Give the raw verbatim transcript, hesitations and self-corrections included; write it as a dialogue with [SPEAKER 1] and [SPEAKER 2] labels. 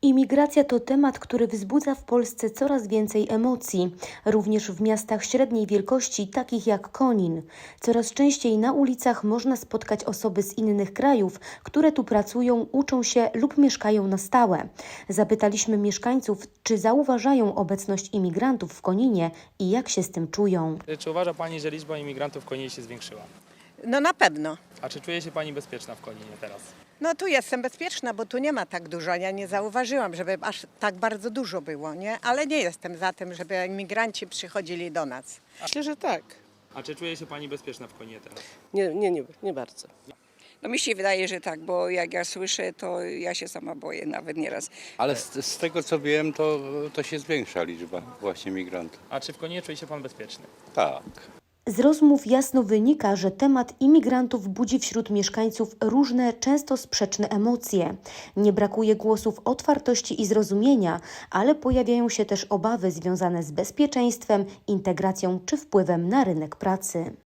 [SPEAKER 1] Imigracja to temat, który wzbudza w Polsce coraz więcej emocji, również w miastach średniej wielkości, takich jak Konin. Coraz częściej na ulicach można spotkać osoby z innych krajów, które tu pracują, uczą się lub mieszkają na stałe. Zapytaliśmy mieszkańców, czy zauważają obecność imigrantów w Koninie i jak się z tym czują.
[SPEAKER 2] Czy uważa Pani, że liczba imigrantów w Koninie się zwiększyła?
[SPEAKER 3] No na pewno.
[SPEAKER 2] A czy czuje się Pani bezpieczna w Koninie teraz?
[SPEAKER 3] No tu jestem bezpieczna, bo tu nie ma tak dużo. Ja nie zauważyłam, żeby aż tak bardzo dużo było, nie? Ale nie jestem za tym, żeby imigranci przychodzili do nas.
[SPEAKER 4] Myślę, że tak.
[SPEAKER 2] A czy czuje się Pani bezpieczna w Koninie teraz?
[SPEAKER 4] Nie, nie, nie, nie bardzo.
[SPEAKER 5] No mi się wydaje, że tak, bo jak ja słyszę, to ja się sama boję nawet nieraz.
[SPEAKER 6] Ale z, z tego co wiem, to, to się zwiększa liczba właśnie migrantów.
[SPEAKER 2] A czy w Koninie czuje się Pan bezpieczny?
[SPEAKER 6] Tak.
[SPEAKER 1] Z rozmów jasno wynika, że temat imigrantów budzi wśród mieszkańców różne, często sprzeczne emocje. Nie brakuje głosów otwartości i zrozumienia, ale pojawiają się też obawy związane z bezpieczeństwem, integracją czy wpływem na rynek pracy.